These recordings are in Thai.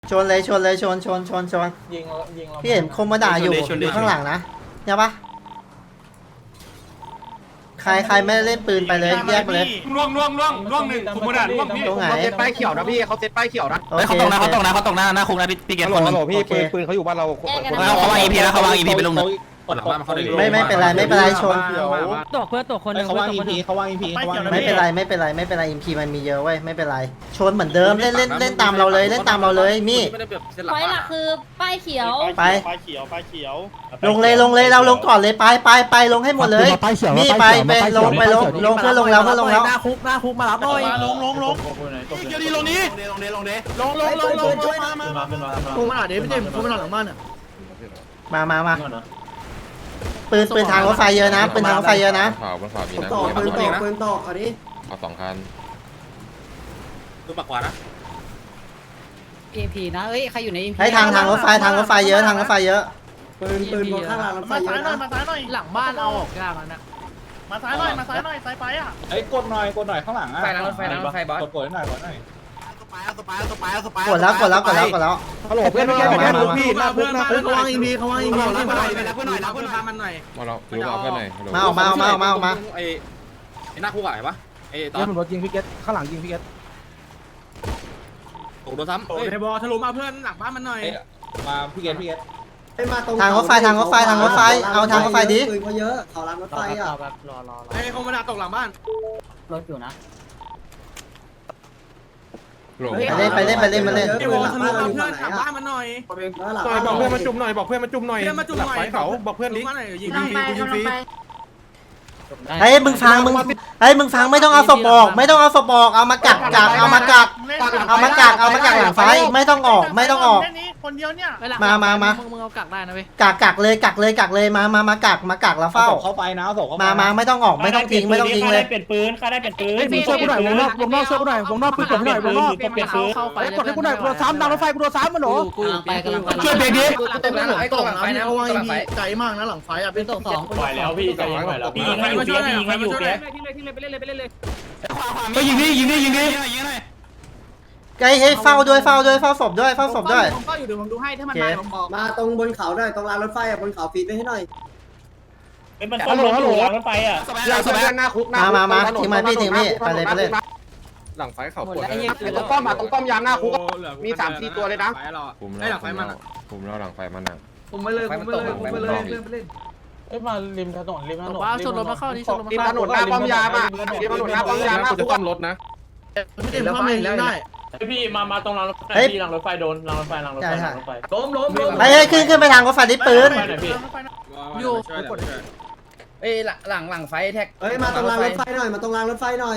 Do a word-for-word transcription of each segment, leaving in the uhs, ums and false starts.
ชนเลยชนเลยชนชนชนชนยิงยิงเราพี่เห็นคมมาด่าอยู่อยู่ข้างหลังนะเนี่ยปะใครใครไม่ได้เล่นปืนไปเลยแยกไปเลยล่วงล่วงล่วงล่วงหนึ่งคุมกระดาษล่วงพี่ตรงไหนเขาเซตป้ายเขียวนะพี่เขาเซตป้ายเขียวนะโอเฮ้ยเคเขาตกนะเขาตกนะเขาตกนะหน้าคุกนะพี่พี่เกศคนหนึงพี่ปืนปืนเขาอยู่บ้านเราเขาเขาวางอีพีแล้วเขาวางอีพีไปลงหนึ่งไม่ไม่เป็นไรไม่เป็นไรชนตกเพื่อตกคนหนึ่งเขาว่างอีพีเขาว่างอีพีเขาว่างไม่เป็นไรไม่เป็นไรไม่เป็นไรอิมพีมันมีเยอะเว้ยไม่เป็นไรชนเหมือนเดิมเล่นเล่นเล่นตามเราเลยเล่นตามเราเลยมี่ไฟหลักคือป้ายเขียวไปป้ายเขียวป้ายเขียวลงเลยลงเลยเราลงก่อนเลยไปไปไปลงให้หมดเลยมี่ไปไปลงไปลงลงเพื่อลงแล้วเพื่อลงแล้วหน้าคุกหน้าคุกมารับหน่อยลงลงลงเดี๋ยวดีลงนี้ลงเดลงเดลงลงลงลงมามามาคุกมาหน่อยเดี๋ยวพี่เจมคุกมาหน่อยหลังบ้านอ่ะมามามาปืนปืนทางรถไฟเยอะนะปืนทางรถไฟเยอะนะข่าวบนข่าวมีนะต่อปืนต่อปืนต่ออันนี้ข่าวสองคันดูปากขวานะเอพีนะเอ้ยใครอยู่ในเอพีให้ทางทางรถไฟทางรถไฟเยอะทางรถไฟเยอะปืนปืนบนข้างรางรถไฟมาเยซ้ายอะหน่อยนะมาซ้ายหน่อยหลังบ้านเอาออกยากแล้วนะมาซ้ายหน่อยมาซ้ายหน่อยซ้ายไปอ่ะเฮ้ยกดหน่อยกดหน่อยข้างหลังอ่ะไฟรถไฟรถไฟบอสกดกดหน่อยกดหน่อยสปายสปายสปายสปายกดแล้วกดแล้วกดแล้วกดแล้วฮัลโหลเพื่อนเพื่อนเพื่อนพี่หน้าคุกหน้าคุกเขาว่างอีพีเขาว่างอีพีรับเพื่อนหน่อยรับเพื่อนหน่อยรับเพื่อนมันหน่อยมาเราดูเราเพื่อนหน่อยมาออกมาออกมาออกมาออกมาไอ้ไอ้หน้าคุกอะไรปะไอ้ตอเดี๋ยนวผมรถยิงพี่เกตข้างหลังยิงพี่เกตโอ้โดนซ้ำเฮ้ยบอลทะลุมาเพื่อนหลังบ้านมันหน่อยมาพี่เกตพี่เกตทางรถไฟทางรถไฟทางรถไฟเอาทางรถไฟดิปืนเขาเยอะเขารางรถไฟอ่ะแบบรอรอรอไอ้เขามาดักตกหลังบ้านรถอยู่นะไปเล่นไปเล่นไปเล่นมาเล่นไอ้บอลทะลุมาเพื่อนหลังบ้านมันหน่อยบอกเพื่อนมาจุ่มหน่อยบอกเพื่อนมาจุ่มหน่อยเพื่อนมาจุ่มหน่อยเขาบอกเพื่อนลิงยิงฟรียิงฟรีเฮ้ยมึงฟังมึงเฮ้ยมึงฟังไม่ต้องเอาศพออกไม่ต้องเอาศพออกเอามากักกักเอามากักเอามากักเอามากักหลังไฟไม่ต้องออกไม่ต้องออกแค่นี้คนเดียวเนี่ยมามามามึงเอากักได้นะเว้ยกักกักเลยกักเลยกักเลยมามามากักมากักแล้วเฝ้าเข้าไปนะส่งเข้าไปมามาไม่ต้องออกไม่ต้องทิ้งไม่ต้องทิ้งเลยเปลี่ยนปืนข้าได้เปลี่ยนปืนมึงช่วยกูหน่อยวงนอกวงนอกช่วยกูหน่อยวงนอกปืนกดให้หน่อยวงนอกเปลี่ยนปืนเข้าไปกดให้กูหน่อยกูโดนซ้ำดังรถไฟกูโดนซ้ำมันหรอกูไปกำลังช่วยเบรกดิตกหลังไอ้ตกหลังไฟนะเขาว่างอีพีไกลมากนะหลังไฟอ่ะเป็นตกสองปล่อยแล้วพี่ใจเย็นปล่อยแล้วพี่ยิงให้อยู่เปียกพี่ยิงให้อยู่เปียกก็ยิงดิยิงดิยิงดิยิงเลยไอ้ให้เฝ้าด้วยเฝ้าด้วยเฝ้าศพด้วยเฝ้าศพด้วยผมก็อยู่เดี๋ยวผมดูให้ถ้ามันโอเคมาผมบอกมาตรงบนเขาหน่อยตรงรางรถไฟอ่ะบนเขาฟีดไปให้หน่อยเป็นมันต้มรถอยู่รถไฟอ่ะหลังสบายหน้าคุกมามามาทิ้งมาพี่ทิ้งพี่ไปเลยไปเลยหลังไฟเขาปวดตรงป้อมอ่ะตรงป้อมยามหน้าคุกมีสามสี่ตัวเลยนะคุมไอ้แล้วหลังไฟมันอ่ะคุมแล้วหลังไฟมันอ่ะผมไปเลยผมไปเลยผมไปเลยเล่นเอ้ยมาริมถนนริมถนนว่าชนรถมาเข้านี่ชนรถริมมาถนนหน้าป้อมยามอ่ะริมถนนหน้าป้อมยามหน้าคุกซ่อมรถนะไม่ได้เข้ามายิงได้พี่มามาตรงรางรถไฟพี่รางรถไฟโดนรางรถไฟรางรถไฟรางรถไฟล้มล้มล้มไอ้ให้ขึ้นขึ้นไปทางรถไฟดิปืนไปหน่อยพี่อยู่เอ้ยหลังหลังไฟแท็กเอ้ยมาตรงรางรถไฟหน่อยมาตรงรางรถไฟหน่อย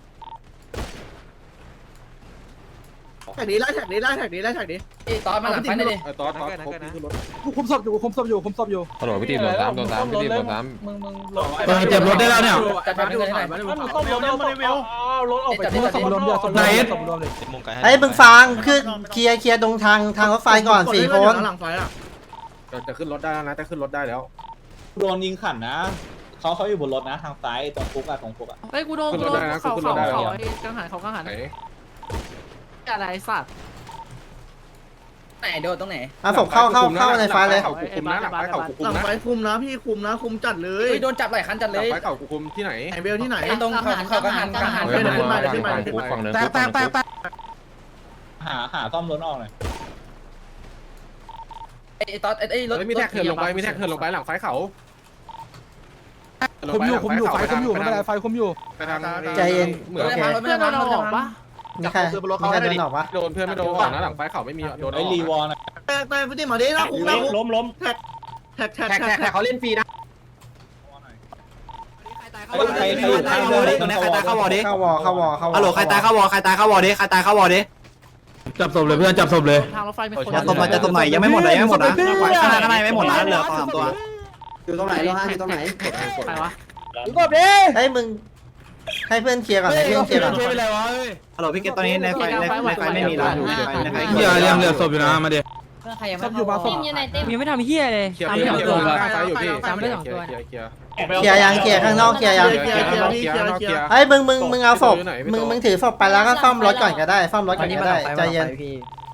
แท็กนี้ไล่แท็กนี้ไล่แท็กนี้ไล่แท็กนี้ไอ้ตอนมาหลังไฟนี่ดิตอนตอนคุมศพอยู่คุมศพอยู่คุมศพอยู่ตำรวจพี่ตีโดนซ้ำโดนซ้ำพี่ตีโดนซ้มึงมึงเจ็บรถได้แล้วเนี่ยจัดไปดูหน่อยมาดูต้มรถเอาเอารถออกไปคุมศพรวมเดียวศพรวมศพรวมเลยไอ้มึงฟังคือเคลียร์เคลียร์ตรงทางทางรถไฟก่อนสี่คนหลังไฟอ่ะจะขึ้นรถได้แล้วนะจะขึ้นรถได้แล้วโดนยิงขันนะเขาเขาอยู่บนรถนะทางซ้ายตรงคุกอะตรงคุกอะเฮ้ยกูโดนกูโดนเขาเขาเขาไอ้กังหันเขากังหันำไหนอะไรสัตว์ไหนโดนตรงไหนเอาศพเข้าเข้าเข้าในไฟเลยเขาคุมนะหลังไฟเขาคุมหลังนะไฟคุมนะพี่คุมนะคุมจัดเลเฮ้ยยโดนจับหลายคันจัดเลยหลังไฟเขาคุมที่ไหนไอเบลที่ไหนตรงเขาเขากังหันกังหันเฮ้ยมันมาฝั่งคุกฝั่งเนินคุกฝั่งเนินคุกหาหาซ่อมรถออกหน่อยไอ้ตอนไอ้รถมีแท็กเถินลงไปมีแท็กเถินลงไปหลังไฟเขาคุมอยู่คุมอยู่ไฟคุมอยู่ไม่เป็นไรไฟคุมอยู่ไปทางใจเย็นเหมือนเพื่อนเพื่อนเราออกปะมีใครมีใครเดินออกปะโดนเพื่อนไม่โดนก่อนนะหลังไฟเขาไม่มีโดนไอรีวอลนะแต่แต่พี่ติมาดินะคุกนะคุกล้มล้มแท็กแท็กแท็กแท็กเขาเล่นฟรีนะใครใครอยู่ข้างวอลดิตรงนี้ใครตายเข้าวอลดิเข้าวอเข้าวอเข้าวอฮัลโหลใครตายเข้าวอใครตายเข้าวอดิใครตายเข้าวอดิจับศพเลยเพื่อนจับศพเลยทางรถไฟมีคนจับศพหน่อยจับศพหน่อยยังไม่หมดเลยยังไม่หมดนะข้างหน้าข้างในไม่หมดนะเหลือสามตัวอยู่ตรงไหนโลห้าอยู่ตรงไหนใครวะไอ้มึงให้เพื่อนเคลียร์ก่อนให้เพื่อนเคลียร์ก่อนฮัลโหลพี่เกตตอนนี้ในไฟในในไฟไม่มีแล้วในไฟเหี้ยยังเหลือศพอยู่นะมาดิเพื่อนใครยังศไม่พอยู่มาศทีพมอยู่ไหนเต็มยังไม่ทำเฮียเลยเคลียร์ตามเคลีที่ยผมร์โดนไฟอยู่พี่ตามไม่สองตัวเคลียร์เคลียร์เคลียร์ยังเคลียร์ข้างนอกเคลียร์ยังเคลียร์เคลียร์เคลียร์เคลียร์ไอ้มึงมึงมึงเอาศพมึงมึงถือศพไปแล้วก็ซ่อมรถก่อนก็ได้ซ่อมรถก่อนก็ได้ใจเย็น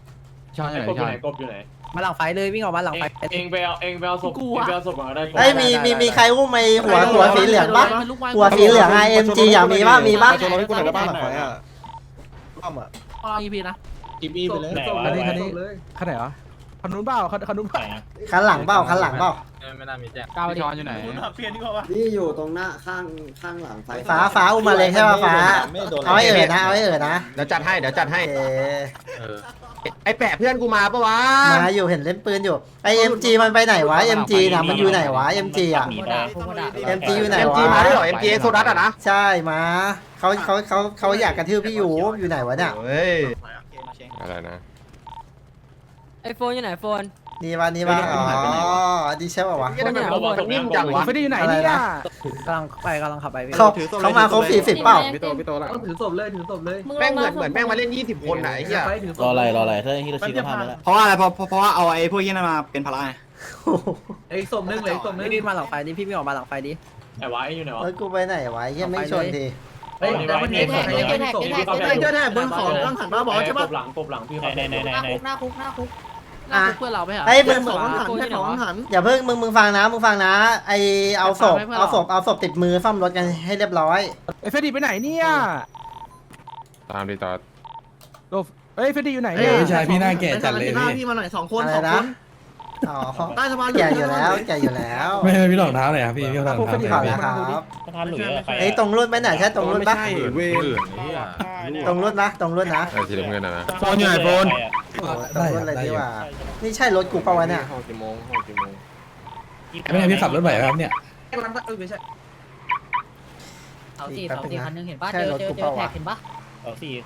ช้อนอยู่ไอ้ไหนกบอยู่ช้อนไหนกบอยู่ไหนมาหลังไฟเลยวิ่งออกมาหลังไฟเองไปเอาเองไปเอาศพเองไปเอาศพมาได้เฮ้ยมีมีมีใครอุ้มไอ้หัวหัวสีเหลืองปะหัวสีเหลืองไอเอ็มจีอยากมีปะมีปะชนรถที่กูไหนได้บ้านหลังไฟอ่ะร่วมอ่ะอ๋ออีพีนะกิบอี้ไปเลยคันนี้คันนี้คันไหนวะคันนู้นเปล่าคันคันนู้นเปล่าคันหลังเปล่าคันหลังเปล่าไม่น่ามีแจ้งก้าวช้อนอยู่ไหนเปลี่ยนดีกว่าปะนี่อยู่ตรงหน้าข้างข้างหลังไฟฟ้าฟ้าอุ้มมาเลยใช่ปะฟ้าเอาให้เอ๋อนะเอาให้เอ๋อนะเดี๋ยวจัดให้เดี๋ยวจัดให้โอเคไอ้แปะเพื่อนกูมาปะวะมาอยู่เห็นเล่นปืนอยู่ไอเอ็มจีมันไปไหนวะเอ็มจีน่ะมันอยู่ไหนวะเอ็มจีอ่ะโคดาโคดาเอ็มจีอยู่ไหนเอ็มวะจีมาด้วยเหรอเอ็มจีโซดัสอ่ะนะใช่มาเขาเขาเขาเขาอยากกระทืบพี่อยู่อยู่ไหนวะเนี่ยเฮ้ยอะไรนะไอโฟนอยู่ไหนโฟนนี่วะนี่วะอ๋อดีใช่ป่าวะทำไมมันนิ่มจังวะไม่ได้อยู่ไหนเนี่ยกำลังไปกำลังขับไปเขาเขามาครบสี่สิบเปล่าพี่โตพี่โตละถือศพเลยถือศพเลยมึงแม่งเหลมือนเหมือนแม่งมาเล่นยี่สิบคนไหนเหี้ยรออะไรรออะไรเพราะว่าอะไรเพราะเพราะว่าเอาไอ้พวกนี้มาเป็นพลังไอ้ศพนึงเลยศพนึงนี่มาหลังไฟดิพี่วิ่งออกมาหลังไฟดิไอ้วะไอ้อยู่ไหนวะแล้วกูไปไหนวะยังไม่ชนดีเฮ้ยแต่มันเห็นแท็กเห็นแท็กเห็นแท็กเห็นแท็กเจอแท็กบนของตั้งหันมาบอกใช่ปะกบหลังกบหลังพี่เขาหน้าคุกหน้าคุกหน้าคุกหน้าคุกเพื่อนเราไหมเหรอไอ้ยมึงสองหันแค่สองหันอย่าเพิ่งมึงมึงฟังนะมึงฟังนะไอเอาศพเอาศพเอาศพติดมือซ่อมรถกันให้เรียบร้อยไอ้เฟรดดี้ไปไหนเนี่ยตามดีต่อโลเฮ้ยเฟรดดี้อยู่ไหนเฮ้เนี่ยยชายพี่หน้าแก่จัดเลยพี่มาหน่อยสองคนอะไรสองนะคนอ๋อใต้สะพานแก่อยู่แล้วแก่อยู่แล้วไม่ไม่พี่หลอกเท้าเลยครับพี่พี่หลอกขเท้าอแล้วครับสะพานหลุยส์ใครไอ้ยตรงรุ่นไหมไหนใช่ตรงรุ่นปะเวรตรงรุ่นนะตรงรุ่นนะไอ้สีน้ำเงินนะนะโฟนอยู่ไหนโฟนตรงรุ่นเลยดีกว่านี่ใช่รถกูเปล่าวะเนี่ยห้องกี่โมงห้องกี่โมงไม่ใช่พี่ขับรถไหวครับเนี่ยไม่ใช่เสาสี่เสาสี่คันนึงเห็นปะเจอเจอเจอแท็กเห็นปะสองสี่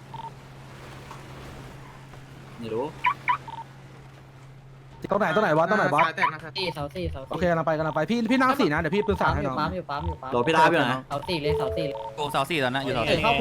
ไม่รู้ตรงไหนตรงไหนวะตรงไหนวะสี่เสาสี่เสาสี่โอเคกำลังไปกำลังไปพี่พี่นั่งสี่นะเดี๋ยวพี่ปืนสาปั๊ดมให้อยู่น้องปั๊มอยู่ปั๊มอยู่ปั๊มโหลพี่ดาพี่หน่อยเสาสี่เลยเสาสี่โอ้สาวสี่ตอนนั้นอยู่สาวเออสี่เข้า